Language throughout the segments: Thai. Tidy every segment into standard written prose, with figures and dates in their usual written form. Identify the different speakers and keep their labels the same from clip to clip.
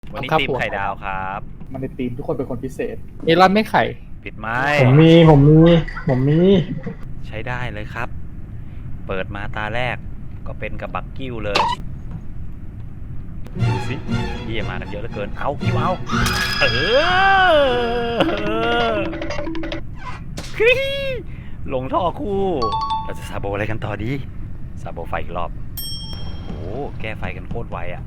Speaker 1: วันนี้ทีมไข่ดาวครับ
Speaker 2: มันในทีมทุกคนเป็นคนพิเศษ
Speaker 3: เอรอนไม่ไข่
Speaker 1: ปิดไม้
Speaker 4: ผมมี
Speaker 1: ใช้ได้เลยครับ เปิดมาตาแรกก็เป็นกับบักกิ้วเลยดูสิพี่มากันเยอะเหลือเกินเอากิ้วเอาลงท่อคู่เราจะซาโบอะไรกันต่อดีซาโบไฟอีกรอบโอ้แก้ไฟกันโคตรไวอ่ะ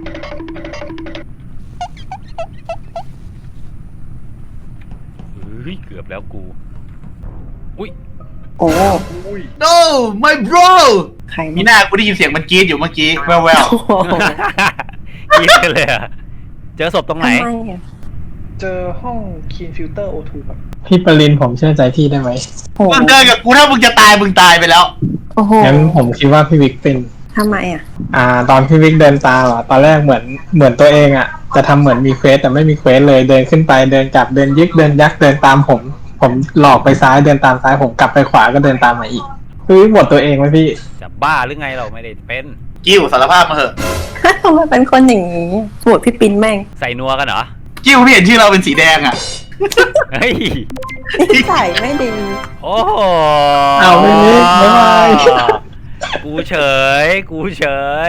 Speaker 1: เฮ้ยเกือบแล้วกูอุ้ย
Speaker 5: โอ้
Speaker 6: no my bro
Speaker 5: ใคร
Speaker 6: มีหน้ากูได้ยินเสียงมันกรี๊ดอยู่เมื่อกี้แวว
Speaker 1: กินกันเลยอะเจอศพตรงไหน
Speaker 5: ทำไมอ่ะ
Speaker 2: เจอห้อง Clean Filter O2 ครับ
Speaker 4: พี่ปรินผมเชื่อใจพี่ได้ไหม
Speaker 5: โอ้
Speaker 6: ๆมึงเดินกับกูถ้ามึงจะตายมึงตายไปแล้ว
Speaker 5: โอ้โห
Speaker 4: งั้นผมคิดว่าพี่วิกเป็น
Speaker 5: ทำไมอ่ะ
Speaker 4: ตอนพี่วิกเดินตามตอนแรกเหมือนตัวเองจะทำเหมือนมีเควสแต่ไม่มีเควสเลยเดินขึ้นไปเดินกลับเดินยึกเดินยักเดินตามผมหลอกไปซ้ายเดินตามซ้ายผมกลับไปขวาก็เดินตามมาอีกพี่วิกบทตัวเองไหมพี่
Speaker 1: จะบ้าหรือไงเราไม่ได้เป็น
Speaker 6: กิ้วสารภาพมาเหอะ
Speaker 5: ทำไมเป็นคนอย่างนี้โหวตพี่ปินแม่ง
Speaker 1: ใส่นัวกันเหรอ
Speaker 6: กิ้วพี่เห็นชื่อเราเป็นสีแดงอ่ะ
Speaker 1: เฮ้ย
Speaker 5: นิสัยไม่ดี
Speaker 1: โอ้โห
Speaker 4: เอาไม่นิดบ๊ายบาย
Speaker 1: กูเฉย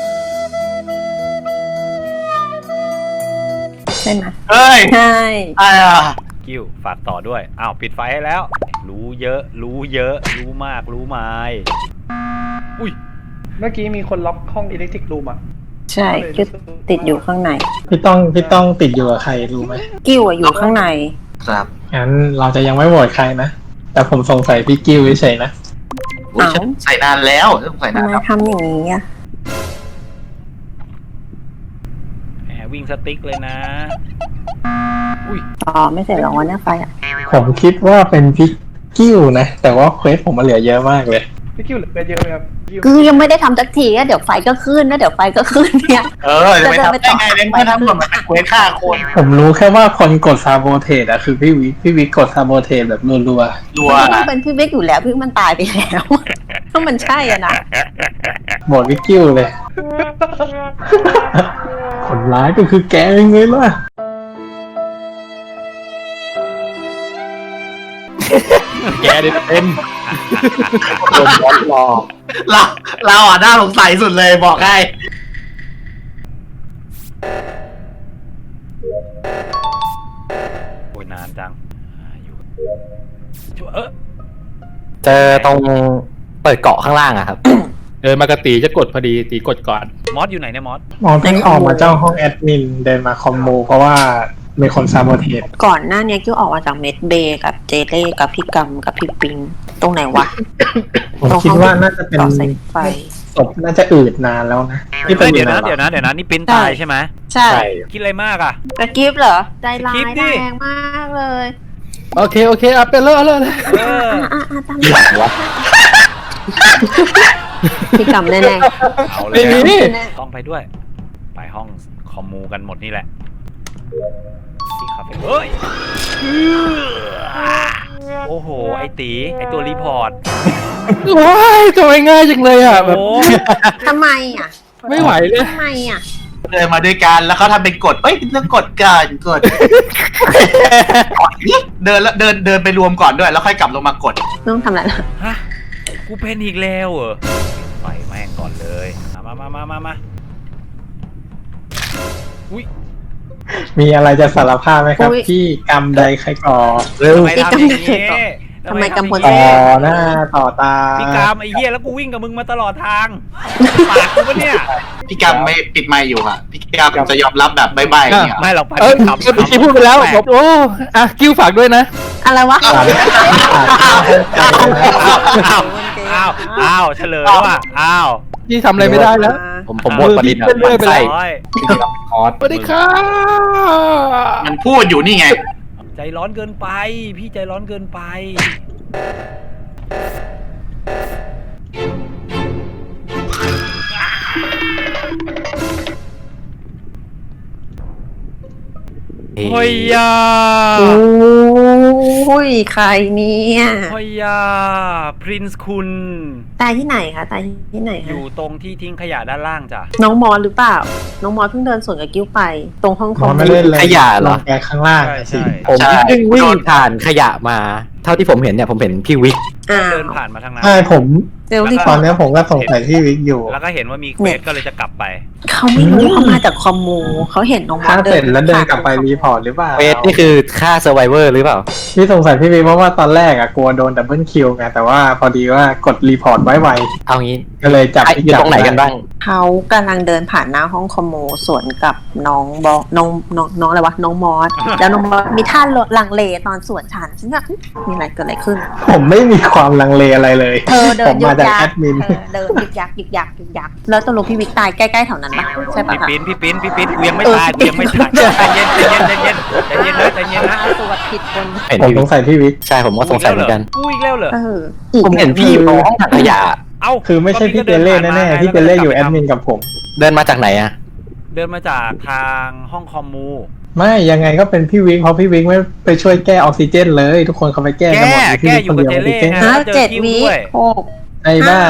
Speaker 5: ใช่ไหม
Speaker 6: เฮ้ย
Speaker 5: ใช่
Speaker 6: อะไรอ่ะ
Speaker 1: กิ้วฝากต่อด้วยอ้าวปิดไฟให้แล้ว รู้เยอะ รู้มากรู้ไม้อุ้ย
Speaker 2: เมื่อกี้มีคนล็อกห้อง Electric Room อ่ะ
Speaker 5: ใช่กิ้วติดอยู่ข้างใน
Speaker 4: พี่ต้องติดอยู่กับใครรู้ไหม
Speaker 5: กิ้วอะอยู่ข้างใน
Speaker 6: ครับ
Speaker 4: งั้นเราจะยังไม่โหวตใครนะแต่ผมสงสัยพี่กิ้วเฉยๆนะ
Speaker 6: อุ๊ยฉันใส่นานแล้วใส่
Speaker 5: ทำ
Speaker 6: นาน
Speaker 5: ไม
Speaker 6: แล้ว
Speaker 5: ทำอย่างนี้อ่ะ
Speaker 1: แหมวิ่งสติ๊กเลยนะ อุ้ย
Speaker 5: ต่อไม่เสร็จหรอกวันนี้ไฟอ่ะ
Speaker 4: ผมคิดว่าเป็นพี่กิ้วนะแต่ว่าเควสผมมาเหลือเยอะมากเลย
Speaker 2: พี่กิ้วเหลือเยอะไหมครับกิ้ว
Speaker 5: คือยังไม่ได้ทำสักทีก็เดี๋ยวไฟก็ขึ้นนะเดี๋ยวไฟก็ขึ้นเนี่ย
Speaker 6: จะไปทำได้ไงเล่นเพื่อทำแบบมันเป็นเควสฆ่าคน
Speaker 4: ผมรู้แค่ว่าคนกดซาโบเทสคือพี่วิกกดซาโบเทสแบบรัว
Speaker 6: รัว
Speaker 5: มันต้องเป็นพี่เบกอยู่แล้วพี่มันตายไปแล้ว ถ้ามันใช่อ่ะนะ
Speaker 4: ๆโหมดวิกกิ้วเลย คนร้ายก็คือแกเองเลยล่ะ
Speaker 3: แกได้เป็น
Speaker 4: โดนบอสหลอก
Speaker 6: เราอ่ะน่าสงสัยสุดเลยบอกให้
Speaker 1: โอ้ยนานจังอยู่
Speaker 7: เจอตรงเปิดเกาะข้างล่างอะครับ
Speaker 3: เดินมากระตีจะกดพอดีตีกดก่อน
Speaker 1: มอสอยู่ไหนเนี่ยมอส
Speaker 4: มองเพิ่งออกมาเจ้าห้องแอดมินเดินมาคอมโบเพราะว่ามีคนซาโบเทส
Speaker 5: ก่อนหน้านี้กิ้วออกมาจากเมดเบย์กับเจเล่กับพี่กัมกับพี่ปิงตรงไหนวะ
Speaker 4: ผมคิดว่าน่าจะเป็น
Speaker 5: ต่อสายไฟ
Speaker 4: ศพน่าจะอืดนานแล้วนะที่เป็น
Speaker 1: เดี๋ยวนะนี่ปิ้นตายใช่ไหม
Speaker 5: ใช่
Speaker 1: คิดอะไรมากอ่ะ
Speaker 5: กระกิฟเหรอใจร้า
Speaker 1: สกิ
Speaker 5: ย
Speaker 1: ปดิ
Speaker 5: แรงมากเลย
Speaker 3: โอเคอ่ะเป็นเลย
Speaker 1: เออ
Speaker 5: ตามพี่กัมแน่
Speaker 1: เอาเล
Speaker 3: ไม่
Speaker 1: ย
Speaker 3: มี
Speaker 1: ต้องไปด้วย ไปห้องคอมมูกันหมดนี่แหละที่คาเฟ่เฮ้ยโอ้โหไอตีไอตัวรีพอร์ต
Speaker 3: ว้ายทำไมง่ายจังเลยอ่ะแบบ
Speaker 1: โอ้
Speaker 5: ๆทำไมอ่ะ
Speaker 3: ไม่ไหวเลย
Speaker 5: ทำไมอ่ะ
Speaker 6: เดินมาด้วยกันแล้วเขาทำเป็นกดเอ้ยเรื่องกดกันกดเดินแล้วเดินไปรวมก่อนด้วยแล้วค่อยกลับลงมากด
Speaker 5: ต้องทำอะไรล่ะ
Speaker 1: ฮะกูเป็นอีกแล้วเหรอไปแม่งก่อนเลยมาอุ้ย
Speaker 4: มีอะไรจะสารภาพไหมครับพี่กรรมใดใครก่อ
Speaker 1: ทำไมทำอย่างนี้
Speaker 5: ทำไมกัมพล
Speaker 4: ต่
Speaker 5: เท
Speaker 4: อ
Speaker 5: พ
Speaker 4: หน้าต่อตา
Speaker 1: พี่กามไอ้เหี้ยแล้วกูวิ่งกับมึงมาตลอดทางปากกูปะเนี่ย
Speaker 6: พี่กรรมไม่ปิดไมค์อยู่อ่ะพี่กรรมจะยอมรับแบบใบ้ๆเนี่ย
Speaker 1: ไม่เราไป
Speaker 3: เมื่อกี้พูดไปแล้วบอกโอ้อ่ะกิ้วฝากด้วยนะ
Speaker 5: อะไรวะ
Speaker 1: อ้าวเฉลยว่ะอ้าว
Speaker 3: พี่ทำอะไรไม่ได้แล้ว
Speaker 7: ผมบดประดิษฐ์
Speaker 3: เป็นเรื่อยไป
Speaker 7: ใส่
Speaker 1: ร้อย
Speaker 7: คอร์ส
Speaker 3: สวัสดีครับ
Speaker 6: มันพูดอยู่นี่ไง
Speaker 1: ใจร้อนเกินไป พี่ใจร้อนเกินไป เฮ้ยยา
Speaker 5: โอ้อุ้ยใครเนี่ย
Speaker 1: พยาพรินซ์คุณ
Speaker 5: ตายที่ไหนคะตายที่ไหน
Speaker 1: อ
Speaker 5: คะ
Speaker 1: ยู่ตรงที่ทิ้งขยะด้านล่างจ้ะ
Speaker 5: น้องมอสหรือเปล่า น้องมอสเพิ่งเดินสวนกับกิ้วไป ตรงห้องค
Speaker 4: ม
Speaker 5: อ
Speaker 4: อ
Speaker 5: ม
Speaker 4: ไม่เล่นเลย
Speaker 7: ขยะเหรอ
Speaker 4: ลงแกข้างล่าง
Speaker 1: ใช่
Speaker 4: สิ
Speaker 1: ใช่
Speaker 7: ผมเพิ่งวิ่งผ่านขยะมา เท่าที่ผมเห็นเนี่ยผมเห็นพี่วิก
Speaker 5: อ้า
Speaker 1: เดิ
Speaker 5: วน
Speaker 1: ผ่านมาทางนั้น
Speaker 4: ใช่ผม
Speaker 5: เร็วรีบ
Speaker 4: ตอนเนี้ยผมก็สงสัยพี่วิกอยู่
Speaker 1: แล้วก็เห็นว่ามีเควสก็เลยจะกลับไป
Speaker 5: เขาไม่รู้เขามาจากคอมมูเขาเห็นน้องมอ
Speaker 4: ถ้า
Speaker 5: ส
Speaker 4: เสร็จแล้วเดินกลับไปรีพอร์ตหรือเปล่า
Speaker 7: เวทนี่คือฆ่าเซอร์ไวเวอร์หรือเปล่า
Speaker 4: พี่สงสัยพี่วิกเพราะว่าตอนแรกอะกลัวโดนดับเบิลคิวไงแต่ว่าพอดีว่ากดรีพอร์ตไว้ไว
Speaker 7: เอางี้
Speaker 4: ก็เลยจับ
Speaker 7: อยู่ตรงไหนกันบ้าง
Speaker 5: เขากำลังเดินผ่านหน้าห้องคอมมูสวนกับน้องอะไรวะน้องมอสแล้วน้องมอสมีท่าลังเลตอนสวนฉันฉันแบบมีอะไรเกิดอะไรขึ้น
Speaker 4: ผมไม่มีความลังเลอะไรเลย
Speaker 5: เธอเดิ
Speaker 4: ผ
Speaker 5: น
Speaker 4: ม
Speaker 5: ยึ
Speaker 4: มาก จาก
Speaker 5: ยั
Speaker 4: แอก ดมิน
Speaker 5: เดินยึกยักยึกยักยึกยักแล้วตกลงพี่วิกตายใกล้ๆแถวนั้นปะใช่ปะ
Speaker 1: พี่
Speaker 5: คะ
Speaker 1: ปิ้นกูยังไม่ตายกูยังไม่ตายใจเย็นนะ
Speaker 5: ตรวจผิดคน
Speaker 7: เห็น
Speaker 4: ผม
Speaker 7: พี่
Speaker 4: ส
Speaker 7: วิ
Speaker 4: ง
Speaker 7: ก
Speaker 4: สัยพี่วิก
Speaker 7: ใช่ผมก็สงสัยเหมือนกัน
Speaker 1: กูอีกแล้วเหรอ
Speaker 7: ผมเห็นพี่อยู่ตรงห้องถังขยะ
Speaker 1: เอ้า
Speaker 4: คือไม่ใช่พี่เปเล่แน่ๆพี่เปเล่อยู่แอดมินกับผม
Speaker 7: เดินมาจากไหนอะ
Speaker 1: เดินมาจากทางห้องคอมมู
Speaker 4: ไม่ยังไงก็เป็นพี่วิกเพราะพี่วิกไม่ไปช่วยแก้ออกซิเจนเลย ทุกคนเขาไปแก้กันหมดพี่
Speaker 1: แก้
Speaker 4: วิก
Speaker 1: อ
Speaker 4: ค
Speaker 1: ยู่
Speaker 4: น
Speaker 1: กับ
Speaker 4: เดียว
Speaker 1: เจ
Speaker 4: ออกซิ
Speaker 1: เล่
Speaker 4: เจน
Speaker 1: ไง
Speaker 5: 7 วิ
Speaker 1: ด้วย
Speaker 5: 6
Speaker 4: ไอ้บ้า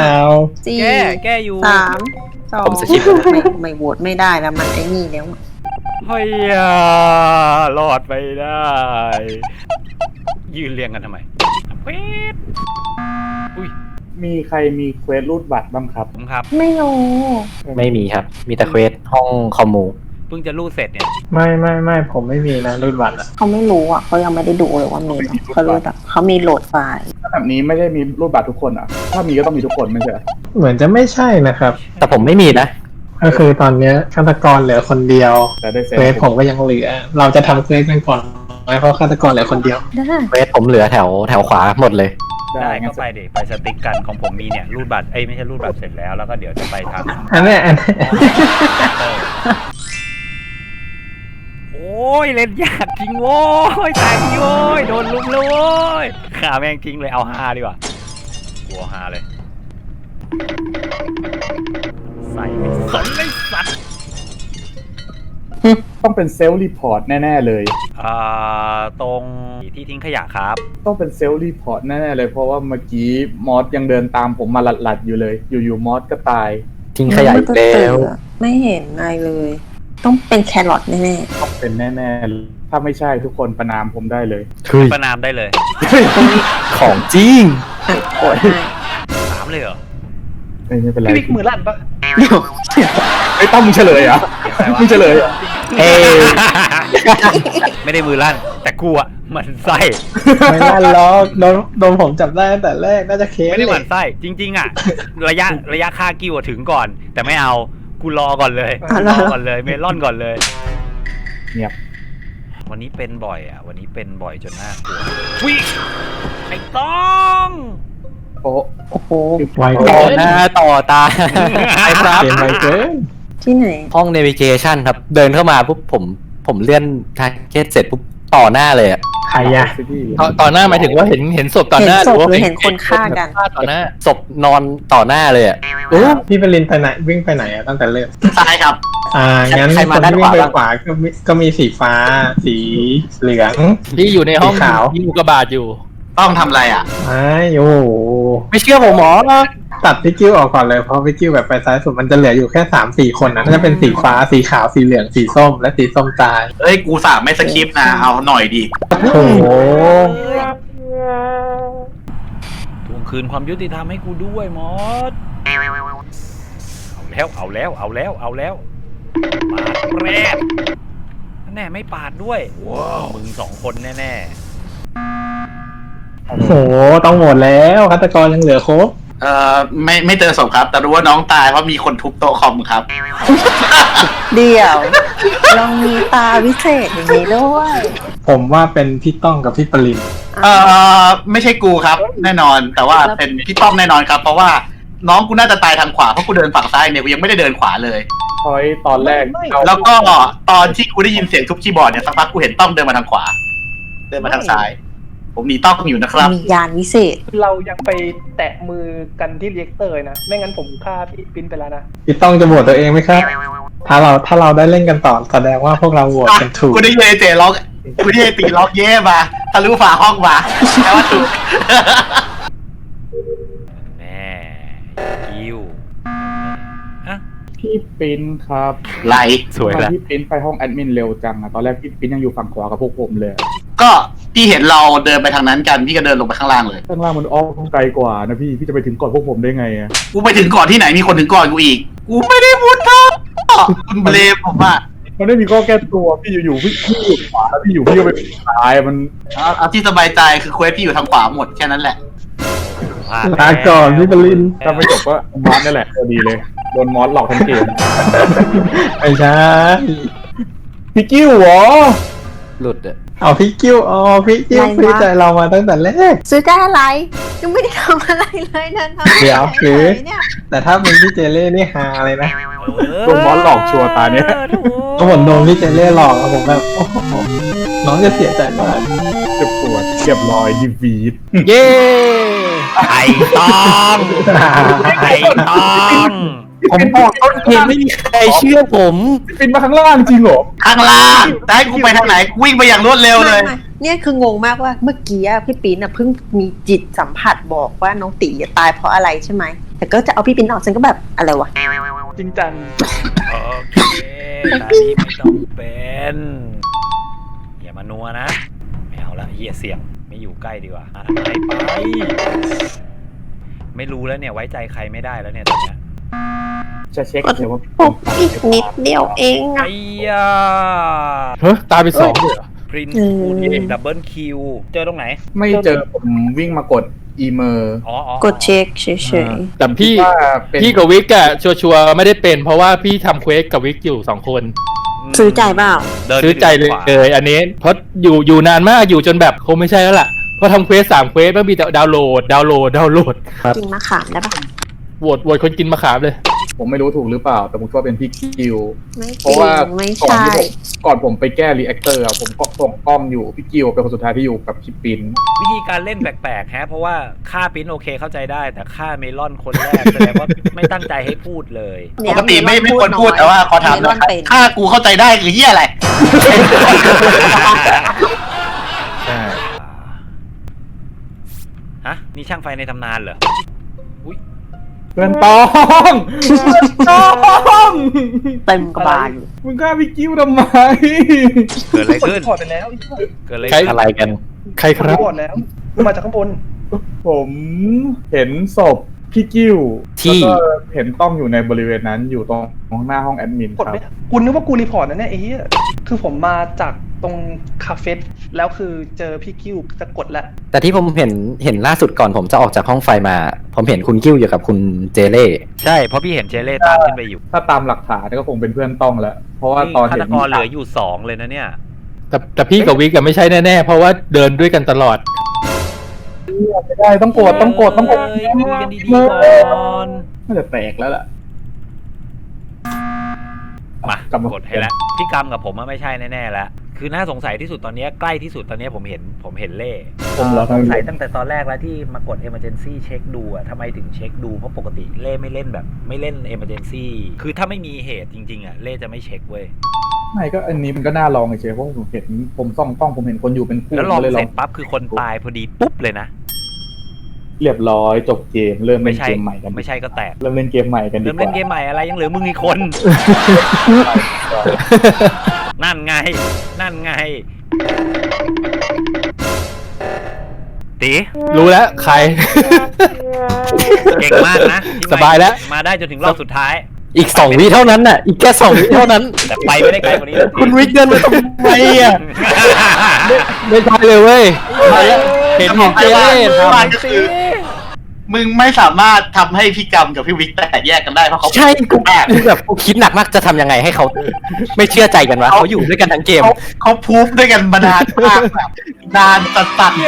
Speaker 5: 4
Speaker 1: แก้อยู่
Speaker 5: 3
Speaker 7: ผมสกิป
Speaker 5: 2ไม่โหวตไม่ได้แล้วมันไอ้นี่แล้ว
Speaker 1: เฮ้ยรอดไปได้ ยืนเรียงกันทำไมเวทอุ้ย
Speaker 2: มีใครมีเควสรูดบัตรบ้างครับ
Speaker 1: ผมครับ
Speaker 5: ไม่รู้
Speaker 7: ไม่มีครับ มีแต่เควสห้องคอมมู
Speaker 1: เพิ่งจะรูดเสร็จเนี่ย
Speaker 4: ไม่ผมไม่มีนะรุ่นวันอะ
Speaker 5: เขาไม่รู้อ่ะเขายังไม่ได้ดูเลยว่ามีหรอเขารู้แบบเขามีโหลดไฟล์
Speaker 2: ถ้าแบบนี้ไม่ได้มีรูดบัตรทุกคนอ่ะ ถ้ามีก็ต้องมีทุกคนไม่ใช่เหรอ
Speaker 4: เหมือนจะไม่ใช่นะครับ
Speaker 7: แต่ผมไม่มีนะ
Speaker 4: ก็คือตอนเนี้ยฆาตกรเหลือคนเดียว
Speaker 2: แต่ได้เซ
Speaker 4: เควสผมก็ยังเหลือ เราจะทำเควสกันก่อนไหมเพราะฆาตกรเหลือคนเดียว
Speaker 5: ได้
Speaker 7: เควสผมเหลือแถวขวาหมดเลย
Speaker 1: ได้
Speaker 2: งั้
Speaker 1: ก็
Speaker 2: น
Speaker 1: ไปดิไปสติ๊กกันของผมมีเนี่ยรูดบัตรไม่ใช่รูดบัตรเสร็จแล้วแล้วก็เดี๋ยวจะไปทาง
Speaker 4: อันเนี้ย
Speaker 1: โอ้ยเล่นยากจริงโว้ยตายจริงโว้ยโดนลุมเลยโว้ยขาแม่งจริงเลยเอาฮาดีกว่ากลัวฮาเลยใส่ไม่สนเลยสัตว์
Speaker 2: ต้องเป็นเซลล์รีพอร์ตแน่ๆเลย
Speaker 1: ตรงที่ทิ้งขยะครับ
Speaker 2: ต้องเป็นเซลล์รีพอร์ตแน่ๆเลยเพราะว่าเมื่อกี้มอสยังเดินตามผมมาหลัดๆอยู่เลย อยู่ๆมอสก็ตาย
Speaker 7: ทิ้งขยะอีกแล้ว
Speaker 5: ไม่เห็นอะไรเลย ต้องเป็นแครอทแน่
Speaker 2: ต้องเป็นแน่ๆเลยถ้าไม่ใช่ทุกคนประนามผมได้เลย
Speaker 7: คือ
Speaker 1: ประนามได้เลย
Speaker 7: ของจริง
Speaker 5: ๆอ่ะโกรธให้
Speaker 1: ถามเลยเหรอ
Speaker 2: ไม่เป็นไรพี่วิกมือลั่นปะ
Speaker 5: เดี๋ยว
Speaker 2: ไอ้ตั้มมึงเฉลยเหรอ่ะมึงเฉลยเหรอ
Speaker 7: เอ้ย
Speaker 1: ไม่ได้มือลั่น แต่กูอะหมันไส้
Speaker 4: ไม่ลั่นล็อกโดนผมจับได้ตั้งแต่แรกน่าจะเคส
Speaker 1: ไม่ได้ห
Speaker 4: เล
Speaker 1: มัน
Speaker 4: ย
Speaker 1: ไส้จริง ๆอะระยะค่ากิ้วอะถึงก่อน แต่ไม่เอากูรอก่อนเลยรอก่อนเลยเมลอนก่อนเลย
Speaker 2: เงียบ
Speaker 1: วันนี้เป็นบ่อยอะวันนี้เป็นบ่อยจนน่ากลัววิไอ้ต้อง
Speaker 2: โอ้
Speaker 5: โอ้โห
Speaker 4: ไว
Speaker 7: ต่
Speaker 4: เกิ
Speaker 7: อน หน้าต่อตาไอ้ครับ
Speaker 4: เกมไวเกิน
Speaker 5: ที่ไหน
Speaker 7: ห้อง navigation ครับ เดินเข้ามาปุ๊บผมเลื่อนทาร์เก็ตเสร็จปุ๊บต่อหน้าเลยอะ
Speaker 4: ใครอะ
Speaker 2: ซิตี้
Speaker 3: ต่อหน้าหมายถึงว่าเห็นศพต่อหน้า
Speaker 5: เห็นศพ
Speaker 3: ว่า
Speaker 5: หรือเห็นคนฆ่ากัน
Speaker 3: ต่อหน้า
Speaker 7: ศพนอนต่อหน้าเลยอะ
Speaker 4: พี่เปรินไปไหนวิ่งไปไหนอะตั้งแต่เริ่ม
Speaker 6: ซ้ายครับ
Speaker 4: งั้น
Speaker 7: ใคร
Speaker 4: ค
Speaker 7: มาน ด้าน
Speaker 4: ที่
Speaker 7: ข
Speaker 4: วิ่
Speaker 7: วาง
Speaker 4: ไป
Speaker 7: บ้าง
Speaker 4: ขวาก็มีสีฟ้า สีเหลือง
Speaker 3: ที่อยู่ในห้อง
Speaker 4: สีขาว
Speaker 3: ยิงอุกกาบาตอยู่
Speaker 6: ต้องทำอะไรอ่ะ
Speaker 4: โอ้โห
Speaker 7: ไม่เชื่อผมหมอ
Speaker 4: ตัดพี่กิ้วออกก่อนเลยเพราะพี่กิ้วแบบไปซ้ายสุดมันจะเหลืออยู่แค่3-4 คนนะก็จะเป็นสีฟ้าสีขาวสีเหลืองสีส้มและสีส้มตาย
Speaker 6: เอ้ย กูสาไม่สคริปต์นะ เอาหน่อยดิ
Speaker 4: โอ้โห
Speaker 1: ทวงคืนความยุติธรรมให้กูด้วยมอสเอาแล้วปาดแรกแน่ไม่ปาดด้วยมึง2 คนแน่
Speaker 4: โอ้โหต้องหมดแล้วฆาตกรยังเหลือครบ
Speaker 6: ไม่เจอศพครับ แต่รู้ว่าน้องตายเพราะมีคนทุบโต๊ะคอมครับ
Speaker 5: เดี๋ยวลองมีตาวิเศษอย่างนี้ด้วย
Speaker 4: ผมว่าเป็นพี่ต้องกับพี่ปริน
Speaker 6: ไม่ใช่กูครับ แน่นอน แต่ว่าเป็นพี่ต้อมแน่นอนครับ เพราะว่าน้องกูน่าจะตายทางขวา เพราะกูเดินฝั่งซ้ายเนี่ย กูยังไม่ได้เดินขวาเลย
Speaker 2: พอยตอนแรกเอา
Speaker 6: แล้วก็ตอนที่กูได้ยินเสียงทุบคีย์บอร์ดเนี่ยสักพักกูเห็นต้อมเดินมาทางขวา เดินมาทางซ้าย ผมหนีต้อมอยู่นะครับ
Speaker 5: มียานวิเศษ
Speaker 2: เรายังไปแตะมือกันที่เรียกเตอร์นะ ไม่งั้นผมฆ่าพี่ปิ้นไปแล้วนะ
Speaker 4: พี่ต้องจะโหวตตัวเองไหมครับ ถ้าเราได้เล่นกันต่อแสดงว่าพวกเราโหวตกันถูก
Speaker 6: กูได้ยินไอ้เจร้องกูได้ยินไอ้ตีร้องเย่มาทะลุฝาห้องมาแต่ว่าถูก
Speaker 1: แม่คิวอะ
Speaker 2: พี่ปิ้นครับ
Speaker 6: ไหล
Speaker 1: สวย
Speaker 2: ทำไม
Speaker 1: แล้ว
Speaker 2: พี่ปิ้นไปห้องแอดมินเร็วจังอะตอนแรกพี่ปิ้นยังอยู่ฝั่งขวากับพวกผมเลย
Speaker 6: ก็พี่เห็นเราเดินไปทางนั้นกันพี่ก็เดินลงไปข้างล่างเลย
Speaker 2: ข้างล่างมันอ้อมไกลกว่านะพี่จะไปถึงก่อนพวกผมได้ไงอะ
Speaker 6: กูไปถึงก่อนที่ไหนมีคนถึงก่อนกูอีกกูไม่ได้พูดท่อคุณเบลมผมว่า
Speaker 2: มันไม่มีข้อแก้ตัวพี่อยู่ๆพี่อยู่ขวาแล้วพี่อยู่พี่ก็ไปซ้ายมัน
Speaker 6: เอาที่สบายใจคือเควสพี่อยู่ทางขวาหมดแค่นั้นแหละ
Speaker 1: พลาด
Speaker 4: ลาก่อนพี่บลิน
Speaker 2: ถ้าไม่จบก็มอสนี่แหละพอดีเลยโดนมอสหลอกทั้งเกม
Speaker 4: ไม่ใช่
Speaker 2: พี่กิ้วเหรอ
Speaker 7: หลุดอะ
Speaker 4: เอาพี่กิ้วพี่กิ้วซื้อใจเรามาตั้งแต่แรก
Speaker 5: ซื้อได้อะไรยังไม่ได้ทำอะไรเลยเดินทาง
Speaker 4: เดี๋ยว
Speaker 5: เฉยๆเนี่ย
Speaker 4: แต่ถ้าเป็นพี่เจเล่นี่ฮาเลยนะ
Speaker 2: โดนมอสหลอกชัวร์ตาเนี้ย
Speaker 4: ถ้าผมโดนพี่เจเล่หลอกอะผมแบบโอ้โหน้องจะเสียใจมาก
Speaker 2: เจ็บปวดเรียบร้อยดีฟีด
Speaker 3: เย้
Speaker 1: ไอ้ต้องไอ้ต้อง
Speaker 7: ผมบอกต้นเกมไม่มีใครเชื่อผม
Speaker 2: ปิ้นมาข้างล่างจริงเหรอ
Speaker 6: ข้างล่างแต่ให้กูไปทางไหนวิ่งไปอย่างรวดเร็วเลย
Speaker 5: ไม่เนี่ยคืองงมากว่าเมื่อกี้อะพี่ปิ้นอะเพิ่งมีจิตสัมผัสบอกว่าน้องตีอะตายเพราะอะไรใช่ไหมแต่ก็จะเอาพี่ปิ้นออกฉันก็แบบอะไรวะ
Speaker 3: จริงจัง
Speaker 1: โอเคตอนนี้ไม่ต้องเป็นอย่ามานัวนะไม่เอาละเฮียเสี่ยงไม่อยู่ใกล้ดีกว่าทำไมไปไม่รู้แล้วเนี่ยไว้ใจใครไม่ได้แล้วเนี่ยตอนเนี้ย
Speaker 2: จะเช็คเดี๋ยวว่า
Speaker 5: ปุ๊บอีกนิดเดียวเองอะ
Speaker 1: ไอ้ยา
Speaker 3: เฮ้ยตายไปสองเลยเหรอ
Speaker 1: พรินซ์คูเดมดับเบิลคิวเจอตรงไหน
Speaker 2: ไม่เจอผมวิ่งมากดอีเมอร์
Speaker 1: อ๋อก
Speaker 5: ดเช็คเฉย
Speaker 3: แต่พี่
Speaker 2: ว่าเป็น
Speaker 3: พี่กับวิกอะชัวร์ๆไม่ได้เป็นเพราะว่าพี่ทำเควสกับวิกอยู่2 คน
Speaker 5: ๆซื้อใจเปล่า
Speaker 1: ดินไป
Speaker 3: ซื้อใจเลย
Speaker 1: ขวา
Speaker 3: อันนี้เพราะอยู่นานมากอยู่จนแบบคงไม่ใช่แล้วล่ะเพราะทำเควส3 เควสมันมีแต่ดาวน์โหลด
Speaker 5: กินมะขามได้ปะ
Speaker 3: โหวตคนกินมะขามเลย
Speaker 2: ผมไม่รู้ถูกหรือเปล่า แต่ผมคิดว่าเป็นพี่คิว
Speaker 5: ไม่
Speaker 2: เพ
Speaker 5: จริ
Speaker 2: ราะ
Speaker 5: ง
Speaker 2: ว่า
Speaker 5: ไม่
Speaker 2: ก่อน
Speaker 5: ใช่
Speaker 2: ที่ก่อนผมไปแก้รีแอคเตอร์อะผมก็ส่งกล้องอยู่พี่กิวเป็นคนสุดท้ายที่อยู่กับพี่ปิน
Speaker 1: วิธีการเล่นแปลกๆฮะเพราะว่าค่าปริ้นโอเคเข้าใจได้ แต่ค่าเมลอนคนแรกแสดงว่าไม่ตั้งใจให้พูดเลย
Speaker 6: ปกติไม่ควรพูดแต่ว่าขอถามหน่อยครับถ้ากูเข้าใจได้คือเหี้ยอะไร
Speaker 2: ใช่
Speaker 1: ฮะนี่ช่างไฟในตำนานเหรออุ้ย
Speaker 2: เพื่อนต้องต้อง
Speaker 5: เต็มกระบาลอยู่
Speaker 2: มึงฆ่าพี่กิวทำไม
Speaker 1: เกิดอะไรขึ้น
Speaker 8: ถอดไปแล้ว
Speaker 1: เกิดอะไร
Speaker 3: ใคร
Speaker 1: ขึ้น
Speaker 7: อะไรกัน
Speaker 3: ใครครับ
Speaker 8: ถอดแล้วมาจากข้างบน
Speaker 2: ผมเห็นศพพี่กิ้ว
Speaker 7: ที่
Speaker 2: แล้วก็เห็นต้องอยู่ในบริเวณนั้นอยู่ตรงหน้าห้องแอดมิน
Speaker 8: กด
Speaker 2: ครับ
Speaker 8: ไม่กูนึกว่ากูรีพอร์ตนะเนี่ยไอ้เหี้ยคือผมมาจากตรงคาเฟ่แล้วคือเจอพี่กิ้วจะกดแล้ว
Speaker 7: แต่ที่ผมเห็นล่าสุดก่อนผมจะออกจากห้องไฟมา ผมเห็นคุณกิ้วอยู่กับคุณเจเล่
Speaker 1: ใช่เพราะพี่เห็นเจเล่ตามขึ้นไปอยู่
Speaker 2: ถ้าตามหลักฐานก็คงเป็นเพื่อนต้องแหละเพราะว่าตอน
Speaker 1: ฆา
Speaker 2: เห็
Speaker 1: ต
Speaker 2: น
Speaker 1: กรเหลืออยู่2เลยนะเนี่ย
Speaker 3: แต่พี่กับวิกอะไม่ใช่แน่ๆเพราะว่าเดินด้วยกันตลอด
Speaker 2: ไม่ได้ต้องโกรธต้องโกรธต้องโกรธ
Speaker 1: เอ้ยคุยกันดีๆก่อน
Speaker 2: น่าจะแตกแล้วล่ะ
Speaker 1: มากดให้แล้วพี่กรรมกับผมไม่ใช่แน่ๆแล้วคือน่าสงสัยที่สุดตอนนี้ใกล้ที่สุดตอนนี้ผมเห็นเล่
Speaker 2: ผมเหรอ
Speaker 1: สงสัยตั้งแต่ตอนแรกแล้วที่มากด emergency เช็คดูอะทำไมถึงเช็คดูเพราะปกติเล่ไม่เล่นแบบไม่เล่น emergency คือถ้าไม่มีเหตุจริงๆอะเล่จะไม่เช็คเว้ย
Speaker 2: ไม่ก็อันนี้มันก็น่าลองเฉยๆเพราะผมเห็นผมส่องกล้องผมเห็นคนอยู่เป็นคู่
Speaker 1: แล้วลอง
Speaker 2: เลย
Speaker 1: เสร็จปั๊บคือคนตายพอดีปุ๊บเลยนะ
Speaker 2: เรียบร้อยจบเกมเริ่มเล่
Speaker 1: ไม่
Speaker 2: น
Speaker 1: ใช่
Speaker 2: เกมใหม่กัน
Speaker 1: ไม่ใช่ก็แตก
Speaker 2: เริ่มเล่นเกมใหม่กันดี
Speaker 1: เริ่ม
Speaker 2: ก
Speaker 1: เล่น
Speaker 2: ว่า
Speaker 1: เกมใหม่อะไรยังเหลือมึงอีกคน นั่นไง ตี
Speaker 3: รู้แล้วใคร
Speaker 1: เก่งมากนะที่
Speaker 3: สบายแล้ว
Speaker 1: มาได้จนถึงรอบสุดท้าย
Speaker 7: อีก2 วิเท่านั้นน่ะ อีกแค่2 วิเท่านั้น
Speaker 1: แต่ไปไม่ได้ไกลกว่านี้แล้ว
Speaker 7: คุณวิกเดินมาทำไมอ่ะ
Speaker 3: ไม่ใช่เลยเว้ยเห็นเจเล่ท
Speaker 6: ว่าก็คือ มึงไม่สามารถทำให้พี่กรรมกับพี่วิกแตกแยกกันได้เพราะเขา
Speaker 7: ใช่กู
Speaker 6: แตก
Speaker 7: แบบกูคิดหนักมากจะทำยังไงให้เขาไม่เชื่อใจกันวะเขาอยู่ด้วยกันทั้งเกม
Speaker 6: เขาพูฟด้วยกันมานานมากแบบนานตัด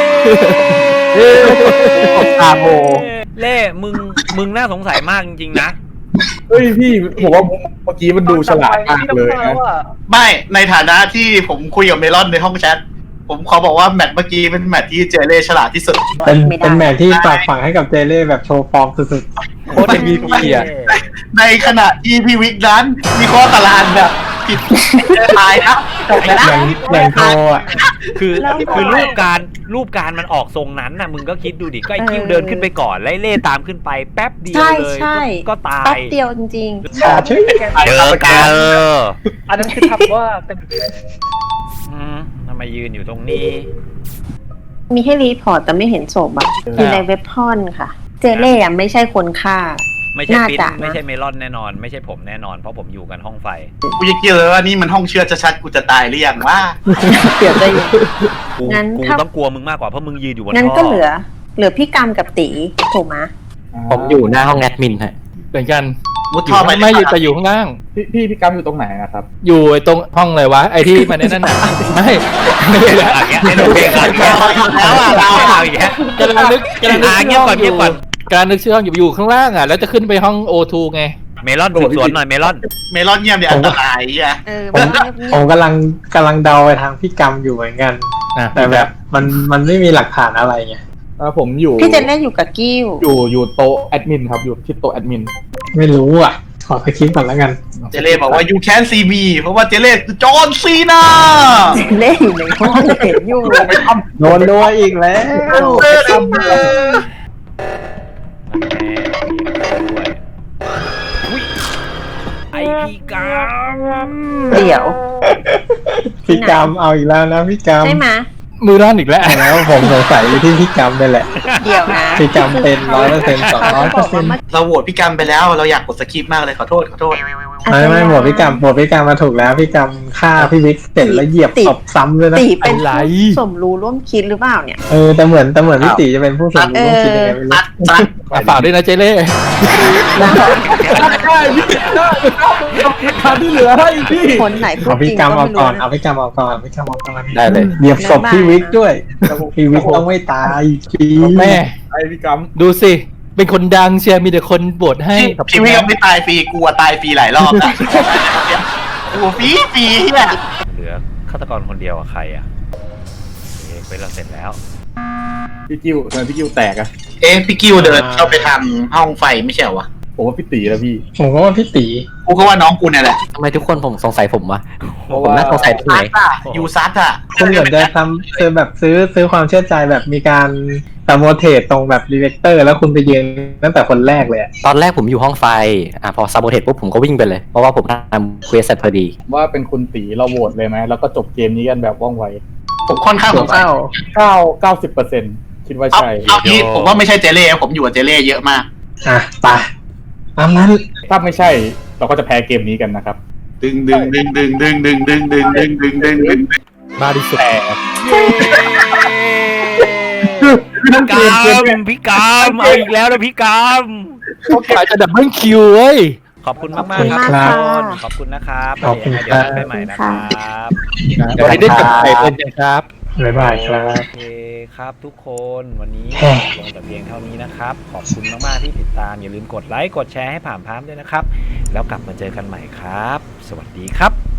Speaker 7: ตาโม
Speaker 1: เล่มึงน่าสงสัยมากจริงๆนะ
Speaker 2: เฮ้ยพี่ผมว่าเมื่อกี้มันดูฉลาดมากเลยนะ
Speaker 6: ไม่ในฐานะที่ผมคุยกับเมลอนในห้องแชทผมขอบอกว่าแมตช์เมื่อกี้เป็นแมตช์ที่เจเล่ฉลาดที่สุด
Speaker 4: เป็นแมทที่ฝากฝังให้กับเจเล่แบบโชว์ฟอร์มสุด
Speaker 3: ำโคตร MVP อ่ะ
Speaker 6: ในขณะที่พี่วิกนั้นมีข้อตารางแบบผิดตายนะจบเลยนะ
Speaker 4: อย่างโทอ่ะ
Speaker 1: คือรูปการมันออกทรงนั้นน่ะมึงก็คิดดูดิก็ไอ้คิวเดินขึ้นไปก่อนไล่เล่ตามขึ้นไปแป๊บเดียว
Speaker 5: ใช่
Speaker 1: เลย
Speaker 5: ใช่
Speaker 1: ก็ตา
Speaker 5: แป๊
Speaker 1: ย
Speaker 5: บเดียวจริง
Speaker 4: ขาดชื่อ
Speaker 1: เจอกัน
Speaker 8: อันนั้นคือทำว่าเป็น
Speaker 1: ทำไมยืนอยู่ตรงนี้
Speaker 5: ๆ มีให้รีพอร์ตแต่ไม่เห็นศพอ่ะอยู่ในเว็บพอนค่ะ เจเล่อะไม่ใช่คนฆ่า
Speaker 1: ไม่ใช่
Speaker 5: น่า
Speaker 1: ปิ๊น
Speaker 5: จะนะ
Speaker 1: ไม่ใช่เมลอนแน่นอน ไม่ใช่ผมแน่นอนเพราะผมอยู่กันห้องไฟ
Speaker 6: กูจะเกี่ยวเลยว่านี่มันห้องเชือดชัดๆกูจะตายหรือยังว่า
Speaker 5: เดี๋ยวจะอยู่
Speaker 1: กู
Speaker 5: งั้น
Speaker 1: กู
Speaker 5: ถ้า
Speaker 1: ต้องกลัวมึงมากกว่าเพราะมึงยืนอยู่บน
Speaker 5: งั้น
Speaker 1: ท่อ
Speaker 5: ก็เหลือพี่กรรมกับตีถูกไหม
Speaker 7: ผมอยู่หน้าห้องแอดมินฮะ
Speaker 3: เหมือนกัน
Speaker 6: มุด
Speaker 3: อยู่
Speaker 6: ท่อไป
Speaker 3: ไม่อยู่แต่อยู่ข้างล่าง
Speaker 2: พี่กัมอยู่ตรงไหนนะครับ
Speaker 3: อยู่ไอ้ตรงห้องอะไรวะไอ้ที่มันนั่นน่ะไม่ไม่ใช่แล้ว
Speaker 1: อย่างเงี้ยไอ้หนุ่มเพลงก่อนแล้วอ่ะเราเอาอย่างเงี้ย
Speaker 3: กำลังนึก
Speaker 1: เงียบก่อนเงียบก่อน
Speaker 3: กำลังนึกชื่อห้องอยู่ข้างล่างอ่ะแล้วจะขึ้นไปห้อง O2 ไง
Speaker 1: เมลอนสืบสวนหน่อยเมลอน
Speaker 6: เมลอนเงียบเนี่ยอันตรายอ่ะ
Speaker 4: ผมผมกำลังเดาไปทางพี่กรรมอยู่เหมือนกัน
Speaker 3: อ่ะ
Speaker 4: แต่แบบมันไม่มีหลักฐานอะไรไง
Speaker 2: ผมอยู่
Speaker 5: พี่เจเล่อยู่กับกิ้ว
Speaker 2: อยู่โต๊ะแอดมินครับอยู่ที่โต๊ะแอดมิน
Speaker 4: ไม่รู้อ่ะ ขอสคริปต์ก่อนแล้วกัน
Speaker 6: เจเล่บอกว่า you can see me เพราะว่าเจเล่คือจอห์นซีนา
Speaker 5: เจเล่อยู่ในห้องเห็นอยู่
Speaker 4: โดนด้วยอีกแล้ว
Speaker 1: ไอพี่กาม
Speaker 5: เดี๋ยว
Speaker 4: พี่กรรมเอาอีกแล้วนะพี่กรรม
Speaker 5: ใช่ไหม
Speaker 3: มือร่อนอีกแล้ว
Speaker 4: แล้วผมสงสัยอยู่ที่พี่กรรมนี่แหละ
Speaker 5: เดี๋ยวนะ
Speaker 4: พี่กรรมเป็น100%
Speaker 5: เขาบอกว่าเมื่อ
Speaker 6: เราโหวตพี่กรรมไปแล้วเราอยากกดสคริปต์มากเลยขอโทษ
Speaker 4: ไม่หมวดพี่กรรมมาถูกแล้วพี่กรรมฆ่าพี่วิกเสร็จแล้วเหยียบตบซ้ำเลยนะ
Speaker 5: ตีเป็น
Speaker 3: อะไร
Speaker 5: ผู้สมรู้ร่วมคิดหรือเปล่าเนี่ย
Speaker 4: แต่เหมือนพี่ตีจะเป็นผู้สมรู้ร่วมคิดยังไงไม่รู้
Speaker 6: ตัด
Speaker 3: ฝากด้วยนะเจเล่
Speaker 2: คำที่เหลือให้พี่
Speaker 5: คนไหนพูด
Speaker 4: เอา
Speaker 5: จ
Speaker 4: พี่
Speaker 5: ริง
Speaker 4: กรรม
Speaker 5: ก็
Speaker 4: เอา
Speaker 5: ไม่
Speaker 4: ก่
Speaker 5: รู้
Speaker 4: อน
Speaker 5: นะ
Speaker 4: เอาพี่กรรมเอาก่อนพี่กรรมเอาก่อน
Speaker 7: ได้เลย
Speaker 4: เหยียบศพพี่วิกด้วยพี่วิกต้องไม่ตายจริง
Speaker 3: แม่
Speaker 2: ไอพี่กัม
Speaker 3: ดูสิ เป็นคนดังเชียร์มีแต่คนโบทให้
Speaker 6: พี่ไม่ยังไม่ตายฟรีกลัวตายฟรีหลายรอบนะกลัวฟรีเนี่ย
Speaker 1: เหลือฆาตกรคนเดียวอะใครอะไปเราเสร็จแล้ว
Speaker 2: พี่กิ้วทำไมพี่กิ้วแตกอะ
Speaker 6: พี่กิ้วเดินเข้าไปทางห้องไฟไม่ใช่เหรอวะ
Speaker 2: ผมว่าพี่ตีแล้วพี่
Speaker 4: ผมก็ว่าพี่ตี
Speaker 6: กูก็ว่าน้องกูเนี่ยแหละ
Speaker 7: ทำไมทุกคนผมสงสัยผมวะ
Speaker 2: เพราะ
Speaker 7: ผม
Speaker 2: ว่า
Speaker 7: น่าสงสัยตรงไหน
Speaker 6: ยูซัดอ่ะ
Speaker 4: คุณเหมือนจะทำคือแบบซื้อความเชื่อใจแบบมีการซาโมเทตตรงแบบรีเวกเตอร์แล้วคุณไปยืนตั้งแต่คนแรกเลยอะ
Speaker 7: ตอนแรกผมอยู่ห้องไฟพอซาโบเทสปุ๊บผมก็วิ่งไปเลย เพราะว่าผมทำเควสเสร็จพอดี
Speaker 2: ว่าเป็นคุณตีเราโหวตเลยไหมแล้วก็จบเกมนี้กันแบบว่องไว
Speaker 6: ผมค่อนข้างสงสัย
Speaker 2: 90%คิดว่า
Speaker 6: เอา
Speaker 2: ใช่
Speaker 6: เอางี้ผมว่าไม่ใช่เจเล่ผมอยู่กับเจเล่เยอะมาก
Speaker 4: ไปตามนั้น
Speaker 2: ถ้าไม่ใช่เราก็จะแพ้เกมนี้กันนะครับ
Speaker 6: ดึง
Speaker 3: มาดิสุด
Speaker 1: พี่กามเอาอีกแล้วนะพี่กาม
Speaker 3: เขาขายจะดับเบิลคิวเว้ย
Speaker 1: ขอบคุณมากมากๆครับทุกคนขอบคุณนะครับเดี๋ยวนัดไปใหม่นะครับ
Speaker 3: เดี๋ยวได้จับไข่เป็นยังครับ
Speaker 4: บ๊ายบายครับ
Speaker 1: โอเคครับทุกคนวันนี้ลงแต่เพียงเท่านี้นะครับขอบคุณมากๆที่ติดตามอย่าลืมกดไลค์กดแชร์ให้ผ่านพามด้วยนะครับแล้วกลับมาเจอกันใหม่ครับ สวัสดีครับ